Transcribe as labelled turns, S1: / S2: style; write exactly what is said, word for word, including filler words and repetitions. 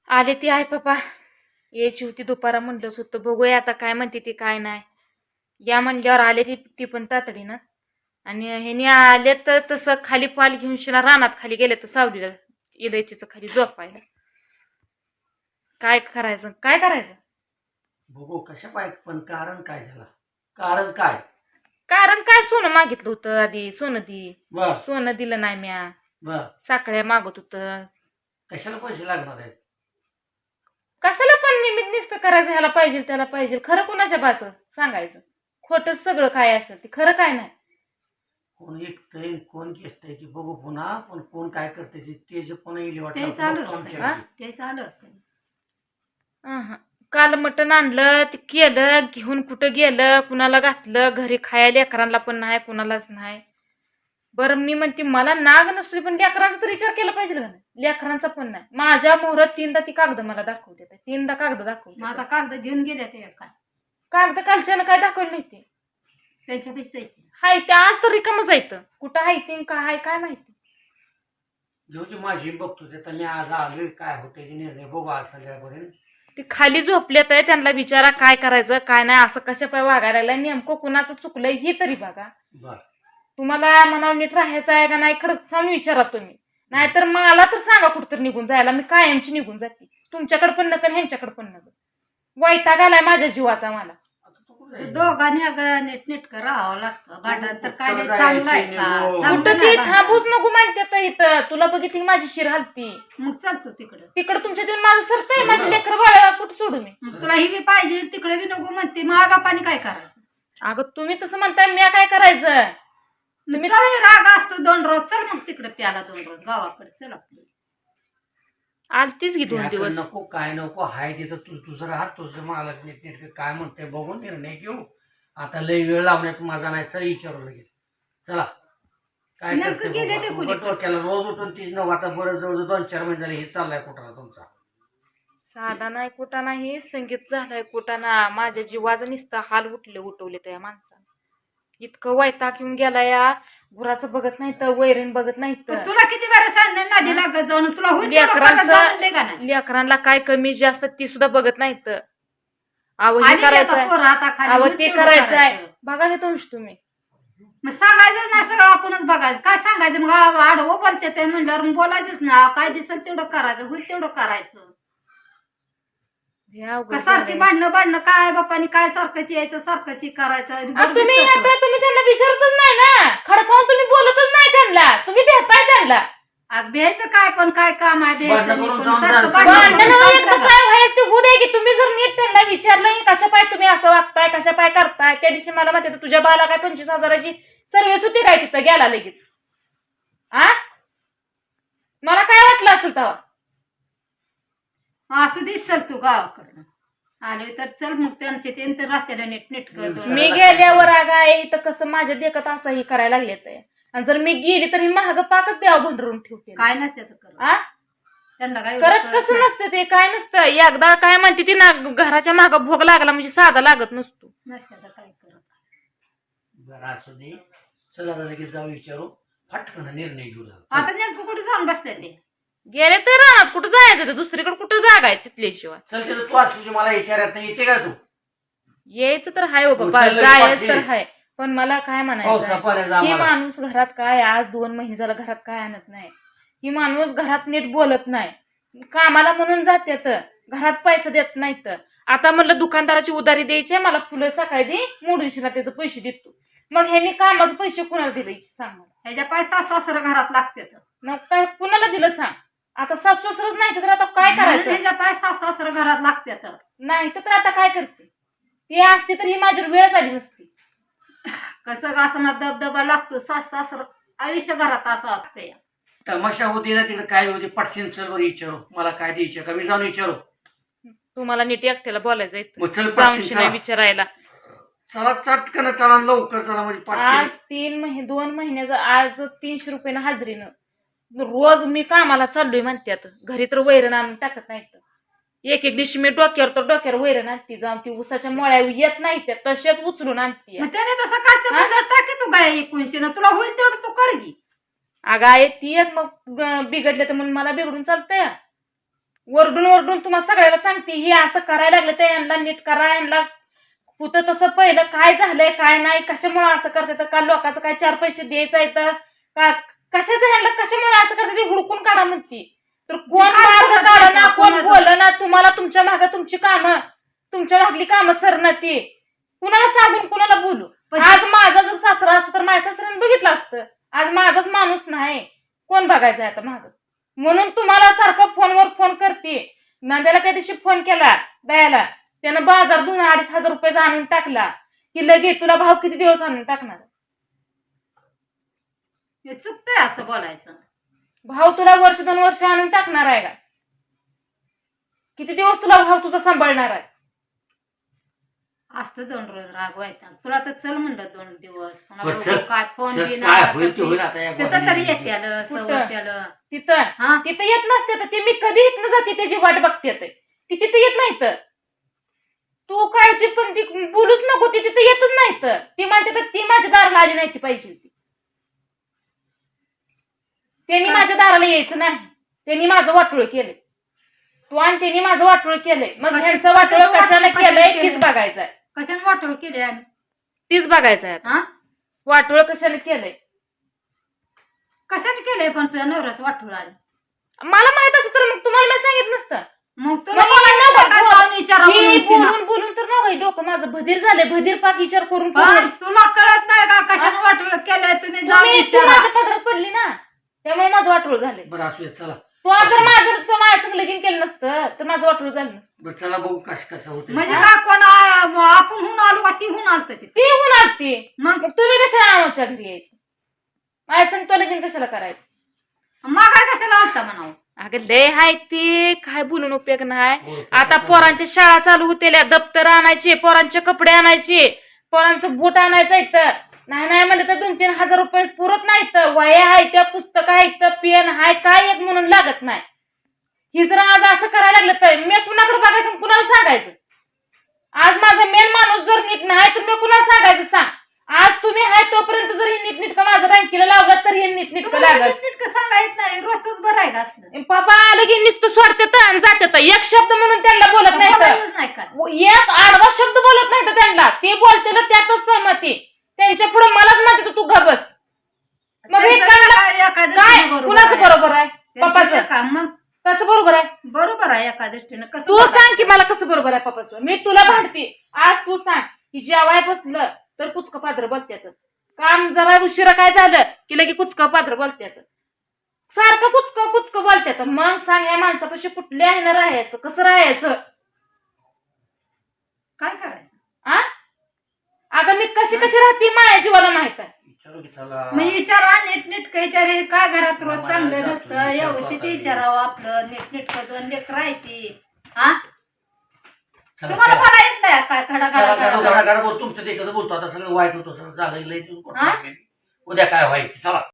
S1: आले ती आहे पप्पा यायची होती दुपारा म्हणलंच होतं बघूया आता काय म्हणते ती काय नाही या म्हणल्यावर आले ती ती पण तातडीनं आणि ह्याने आले तर तसं खाली पाल घेऊन शिना रानात खाली गेले तर सावलीला इलायचीचं खाली झोपायला काय करायचं काय करायचं
S2: बघू कशा पाहिजे पण कारण काय झालं कारण काय
S1: कारण काय सोनं मागितलं होतं आधी सोनं दी
S2: बर
S1: सोनं दिलं नाही म्या
S2: बर
S1: साखळ्या मागत होतं
S2: कशाला पैसे लागणार आहेत
S1: कशाला पण निमित्त निस्त करायचं ह्याला पाहिजे त्याला पाहिजे खरं कोणाच्या बाच सांगायचं खोटंच सगळं काय असं ते खरं काय नाही
S2: कोण ऐकतंय कोण घेतंय ते बघू पुन्हा पण कोण काय करते ते जे पुन्हा इली
S3: ते चालू
S2: वाटतं
S3: होतं.
S2: आमच्या
S3: ते चालू होतं.
S1: अहं. काल मटण आणलं ते केलं घेऊन कुठं गेलं कुणाला घातलं घरी खायला लेकरांना पण नाही कुणालाच नाही बरं मी म्हणते मला नाग नसतो पण लेकरांचा तर विचार केला पाहिजे का नाही लेकरांचा पण नाही माझ्या मोहरात तीनदा ती कागद मला दाखवते तीनदा कागद
S3: मग
S1: दाखवते
S3: आता कागद घेऊन गेले ते काय
S1: कागद कालच्यानं काय दाखवलं नाही ते
S3: त्यांच्या पैसे
S1: हाय ते आज तर रिकामच येतं कुठं आहे ते काय आहे काय माहिती
S2: जेव्हा माझी बघतो ते तर मी आज आलोय काय होते ते निर्णय बघू आज संध्याकाळपर्यंत
S1: ते खाली झोपलेत आहे त्यांना विचारा काय करायचं काय नाही असं कशा पाय वागायला लागलं नेमकं कुणाचं चुकलंय ही तरी बघा
S2: बर
S1: तुम्हाला मनावर नीट राहायचं आहे का नाही खरंच सांगून विचारा तुम्ही नाहीतर मला तर सांगा कुठंतरी निघून जायला मी कायमची निघून जाते तुमच्याकडे पण नका ह्यांच्याकडे पण नका वैताग आलाय माझ्या जीवाचा मला
S2: आता तू कुठं जायचं?
S3: दोघांनी अगं नीट नीट राहावं लागतं भांडण तर काय लय
S2: कुठं
S3: चांगलं आहे
S2: जायचं
S3: का
S2: निघून?
S3: चांगलं
S1: कुठं
S3: नाही
S1: ती
S3: भांडण.
S1: थांबूच नको म्हणते तर इथं तुला बघितली माझी शिर हलती
S3: मग चालतो तिकडं
S1: तिकडं तुमच्या देऊन माझं सरतंय माझी लेकर बाळा कुठं सोडू मी
S3: मग तुला ही बी पाहिजे तिकडे बी नको म्हणते मग बापाने काय करायचं
S1: अगं तुम्ही तसं म्हणताय मी काय करायचं
S3: तुम्ही चल राग असतो दोन रोज चल मग तिकडे प्याला दोन रोज गावाकडे चल आपलं
S1: आलतीच की दोन
S2: याकडे
S1: दिवस
S2: नको काय नको हाय तिथं तू तुझं राहत तुझं मालक नीट नीट काय म्हणते बघून निर्णय घेऊ आता लय वेळ लावण्यात माझा नाही चल विचारू लगेच चला काय
S3: नेमकं
S2: करते
S3: गेले
S2: बघू
S3: ते
S2: आता.
S3: कुणी?
S2: उगाच डोक्याला रोज उठून तीच नऊ आता बरं जवळ दोन चार महिने झाले हे चाललाय कुठं तुमचा
S1: साधा नाही कुठं नाही संगीत झालाय कुठं ना माझ्या जीवाचं नुसतं हाल उठले उठवले त्या माणसानं इतकं वैताग येऊन गेला या गुराचं बघत नाही तर वैरण बघत नाही
S3: पण
S1: तर
S3: तुला किती बरं सांगणार नादी लागत जाऊन तुला होईल तेवढं करत जाऊन दे का नाही?
S1: लेकरांचं लेकरांना काय कमी जास्त ती सुद्धा बघत नाही तर अहो हे
S3: आली की आता
S1: करायचंय
S3: पोरं आता खाली
S1: अहो
S3: होईल
S1: ते
S3: तेवढं
S1: करायचंय
S3: करायचं.
S1: बघा हे तुमची तुम्ही
S3: मग सांगायचं ना सगळं आपणच बघायचं काय सांगायचं मग आडवं बोलते ते म्हणल्यावर मग बोलायचंच ना काय दिसेल तेवढं करायचं होईल तेवढं करायचं
S1: हे अवघड
S3: का सारखी
S1: झालंय.
S3: भांडणं भांडणं काय बापानी काय सारखंच यायचं सारखंच हे करायचं
S1: अहो,
S3: बरं
S1: तुम्ही
S3: दिसतं
S1: आता तुम्ही त्यांना विचारतच नाही ना खडसावून तुम्ही बोलतच नाही त्यांना तुम्ही भेटताय त्यांना
S3: तो. आज भ्यायचं काय पण काय काम आहे भ्यायचं
S2: भांडणं
S3: नाही,
S2: करून
S3: पण
S2: जाऊन
S3: सारखं
S2: जायचं.
S3: भांडणं
S1: भांडण
S3: करून
S1: एकदा
S3: चालतं का?
S1: काय व्हायचं ते होऊ दे की तुम्ही जर नीट त्यांना विचारलं कशा पाय तुम्ही असं वागताय कशा पाय करताय त्या दिवशी मला माहिती होतं, तुझ्या बाला काय पंचवीस हजाराची सर्व्हिस होती काय तिथं गेला लगेच आ मला काय वाटलं असेल तेव्हा
S3: असू दे चल तू गावाकडं आले तर चल मग त्यांचे त्यांचं राहत्याला नीट नीट कर
S1: मी गेल्यावर आगा इथं कसं माझ्या देखत असं हे करायला लागले ते आणि जर मी गेली तर ही महाग पाकच द्यावं भंडरून ठेवते
S3: काय नसते तर करत.
S1: आ
S3: त्यांना काय
S1: करत
S3: एवढं
S1: कसं
S3: कळत
S1: नसतं ते काय नसतं एकदा काय म्हणते ती ना घराच्या माग भोग लागला म्हणजे साधा लागत नसतो
S3: नाही. नसते तर काय करत
S2: बरं असू दे चला आता लगेच जाऊ विचारू फटकन निर्णय घेऊ झाला.
S3: आता नेमकं कुठे जाऊन बसते ते
S1: गेले तर राहणार कुठं जायचं ते दुसरीकडे कुठं जागा आहे तिथल्याशिवाय
S2: चल तिथं तू असली मला विचारत नाही येते का तू
S1: यायचं तर हाय हो बाबा
S2: उचललं
S1: जायचं तर
S2: पाचशे.
S1: हाय पण मला काय
S2: पावसा
S1: म्हणायचं
S2: पाण्याचा
S1: ही
S2: आम्हाला
S1: माणूस घरात काय आज दोन महिने झालं घरात काय आणत नाही ही माणूस घरात नीट बोलत नाही कामाला म्हणून जात्यात घरात पैसा देत नाहीत आता म्हणलं दुकानदाराची उधारी द्यायची आहे, मला फुलं सकाळी दे मोडून त्याचे पैसे देतो मग ह्यांनी कामाचं पैसे कुणाला दिले सांग मला
S3: ह्याच्या पैसा सासर घरात लागते तर.
S1: मग काय कुणाला दिलं सांग आता सासू सासरच नाही तर आता काय
S3: म्हणून
S1: करायचं
S3: ह्याच्या पैसा सासर घरात लागते तर.
S1: नाही तर आता काय करते ती असती तर ही माझ्यावर वेळ झाली नसती
S3: कसं का असं ना दबदबा लागतो सास सासर आयुष्य घरात असं असते
S2: तमाशा होती ना तिकडे काय होती पटशीन चल बरं विचारू मला काय द्यायचं का मी जाऊन विचारू
S1: तुम्हाला नीट एकट्याला बोलायचं
S2: मग चल
S1: जाऊन
S2: पटशीन
S1: नाही
S2: चला.
S1: विचारायला
S2: चला चटकन चला लवकर चला म्हणजे
S1: आज
S2: पटशीन
S1: तीन महिने दोन महिन्याचं आज तीनशे रुपयानं हाजरीनं रोज मी कामाला चाललोय म्हणतात घरी तर वैरण आणून टाकत नाहीत एक एक दिवशी मी डोक्यावर तर डोक्यावर वैरण आणते जाऊन ती उसाच्या मळ्या येत नाही त्या तशाच उचलून आणते
S3: मग त्याने तसं करते म्हणल्यावर टाके तू काय एकोणशे ना तुला होईल तेवढं तू कर की
S1: अगं आहे ती एक मग ग- बिघडले तर म्हणून मला बिघडून चालतंय वरडून वरडून तुम्हाला सगळ्याला सांगते हे असं करायला लागलं तर यांना नीट करा, यांना होतं तसं पहिलं काय झालंय काय नाही, कशामुळे असं करते तर का लोकांचं काय चार पैसे द्यायचं आहे तर का कशाचं ह्यांना कशामुळे असं करते ते हुडकून काढा म्हणते. तर कोण मार्ग काढा ना, कोण बोल ना, तुम्हाला तुमच्या मागे तुमची कामं, तुमच्या मागली कामं सरणं ती कुणाला सांगून कुणाला बोलू. आज माझा जर सासरा असतं तर माझ्या सासऱ्याने बघितलं असतं. आज माझाच माणूस नाही, कोण बघायचं आता माग. म्हणून तुम्हाला सारखं फोनवर फोन करते. नांद्याला त्या दिवशी फोन केला दयाला, त्यानं बाजार दोन अडीच हजार रुपये आणून टाकला की लगे तुला भाव किती दिवस आणून टाकणार.
S3: हे चुकतंय असं बोलायचं.
S1: भाव तुला वर्ष दोन वर्ष आणून टाकणार आहे का? किती दिवस तुला भाव तुझा सांभाळणार आहे?
S3: असतं दोन रोज रागवायचा तुला तर चल म्हणलं दोन दिवस
S2: बरं, चल.
S3: काय फोन
S2: चल,
S3: बिन
S2: काय
S3: आला
S2: होईल
S3: तर
S2: ते होईल
S3: ती-
S2: आता या
S3: तिथं
S2: गोष्टी.
S3: तरी येते आलं
S1: कुठं?
S3: सवरते आलं.
S1: तिथं
S3: हा
S1: तिथं येत नसते तर ती मी कधी इथनं जाते त्याची वाट बघते ते. ती तिथं येत नाही तर तू काळजी पण ती बोलूच नको, ती तिथं येतच नाही तर ती म्हणते तर ती माझ्या दाराला आली नाही ती पाहिजे होती. त्यांनी माझ्या दाराला यायचं नाही, त्यांनी माझं वाटोळ केलंय. तू आणि त्यांनी माझं वाटोळ केलंय. मग
S3: कशा-
S1: ह्यांचं वाटोळ
S3: कशाचं
S1: कशाला
S3: वाटोळ
S1: केलंय
S3: कशाला
S1: तीच
S3: केलंय?
S1: बघायचंय,
S3: कशाने वाटोळ केली आम्ही
S1: तीच बघायचंय.
S3: हा
S1: वाटोळ कशाला केलंय
S3: कशाने केलंय पण तुझ्या नवऱ्याचं वाटोळ आलं.
S1: मला माहित असं तर मग तुम्हाला मी सांगितलं नसतं.
S3: मग तुला
S1: मग मला
S3: बोलायचं
S1: नको
S3: का
S1: बोल.
S3: जाऊन विचारा
S1: मी
S3: म्हणून शिना.
S1: बोलून बोलून तर नव्हे डोकं माझं भदीर झालंय, भदीर पाक विचार करून
S3: पण
S1: करून.
S3: तुला कळत नाही का कशाने वाटोळ केलंय तुम्ही जाऊन
S1: तुम्ही तू
S3: विचारा.
S1: माझ्या पदरात पडली ना, त्यामुळे माझं वाटोळ झालंय.
S2: बरं असू दे, चला.
S1: तू आज जर माझं तू माझ्या संग लगीन केलं नसतं तर माझं वाटोळ झालं नसतं.
S2: बरं चला बघू कस कसं होतं.
S3: म्हणजे का कोण आ- म- आपण हुन आलो का ती हुन आलत तिथे
S1: ती होऊन आलती,
S3: मग
S1: मग तुम्ही कशाला आमच्या घरी यायचं? माझ्या संग तो लगीन कशाला करायचं?
S3: मागा कशाला आलता म्हणावं.
S1: अगं लय हाय ती काय बोलून उपयोग नाही.
S2: हो,
S1: आता
S2: कसं-
S1: पोरांच्या शाळा चालू होतेल्या, दप्तर आणायचे, पोरांचे कपडे आणायचे, पोरांचं बूट आणायचं इथं. नाही नाही म्हणलं तर दोन तीन हजार रुपये पुरत नाहीत. वया आहेत, पुस्तकं आहेत, पेन आहे, काय एक म्हणून लागत नाही. ही जर आज असं करायला लागलं तर मी कुणाकडे बघायचं आणि कुणाला सांगायचं? आज माझा मेन माणूस जर नीट नाही तर मी कुणाला सांगायचं सांग? आज तुम्ही आहे तोपर्यंत जर हे नीटनीटकं माझं बँकेला लावलं तर हे नीटनीटकं
S3: तुम्हाला
S1: लागल.
S3: नीटनीटकं सांगायचं नाही रोजच बरं आहे का असलं.
S1: पापा आलं की नुसतं सोडतात आणि जातात. एक शब्द म्हणून त्यांना बोलत नाही तर
S3: बोलायचंच नाही काय.
S1: एक आडवा शब्द बोलत नाही तर त्यांना ते बोलते ना त्यातच सहमती. त्यांच्या पुढे मलाच म्हणते तू घ बस. मग हे
S3: त्यांचं
S1: काय
S3: काय एखाद्या
S1: काय
S3: बरोबर
S1: कुणाचं
S3: आहे.
S1: बरोबर आहे?
S3: त्यांचं
S1: पप्पाचं
S3: का मग
S1: कसं बरोबर आहे?
S3: बरोबर आहे एका दृष्टीनं कसं
S1: तू
S3: बघायचं?
S1: सांग की मला कसं बरोबर आहे पप्पाचं. मी तुला भांडते आज, तू सांग की जेवाय बसलं तर कुचकं पात्र बोलत्यात. काम जरा उशिरा काय झालं की लगे कुचकं पात्र बोलत्यात. सारखं कुचकं कुचकं बोलत्यात. मग सांग या माणसापाशी कुठल्या ह्यानं राहायचं, कसं राहायचं?
S3: काय करायचं
S1: आ अगं मी कशी कशी राहते माझ्या जीवाला माहित आहे.
S2: विचारू की चला.
S3: मग विचारा नीटनीटकं विचार काय घरात रोज
S2: आम्हाला
S3: चांगलं
S2: जातो,
S3: नसतं
S2: विचार
S3: व्यवस्थित
S2: करता येईल.
S3: विचारावं आपलं नीटनीटकं दोन लेकर राहते. हा
S2: चला,
S3: तुम्हाला
S2: चला.
S3: मला येत नाही काय खडा
S2: चला,
S3: खडा
S2: गाडो,
S3: खडा
S2: गाडो, गाडो बोल. तुमचं देखत बोलतो आता सगळं वाईट होतं, सगळं झालं लय.
S3: हा?
S2: उद्या काय व्हायचं चला.